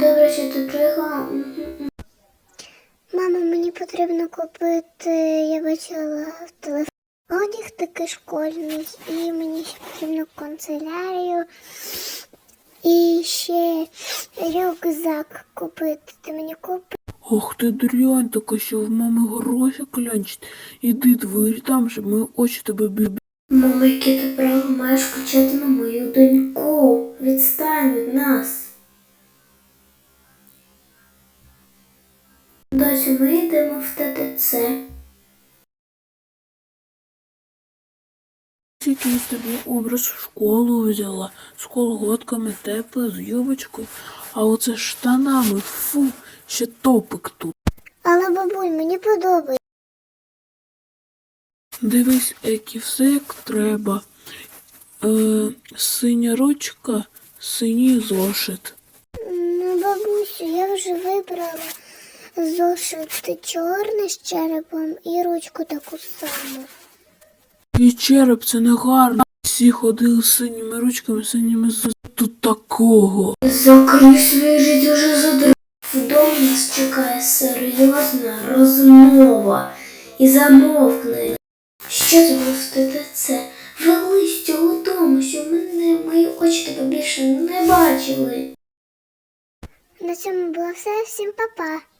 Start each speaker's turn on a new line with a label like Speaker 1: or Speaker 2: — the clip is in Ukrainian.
Speaker 1: Добре, що ти приїхала.
Speaker 2: Мама, мені потрібно купити, я бачила в телефоні, одяг такий школьний, і мені ще потрібно канцелярію, і ще рюкзак купити. Ти мені купиш?
Speaker 3: Ох ти дрянь така, що в мами гроші клянчить. Іди двері там, щоб мої очі тебе бібі.
Speaker 1: Мама, яке ти право маєш кричати на мою доньку? Відстань від нас. Досі ми йдемо в ТТЦ.
Speaker 3: Якийсь тобі образ в школу взяла, з колготками тепле, з юбочкою, а оце штанами, фу, ще топик тут.
Speaker 2: Але, бабуль, мені подобається.
Speaker 3: Дивись, Екі, все як треба. Синя ручка, синій зошит.
Speaker 2: Ну, бабусю, я вже вибрала зошит чорний з черепом і ручку таку саму.
Speaker 3: І череп, це не гарно. Всі ходили з синіми ручками, синіми зошитами. Тут такого.
Speaker 1: Закрий свій життя вже задрав. Вдома нас чекає серйозна розмова. І замовкни. Що це було в ТТЦ? Вели з цього дому, що мої очі тебе більше не бачили.
Speaker 2: На цьому було все. Всім па-па.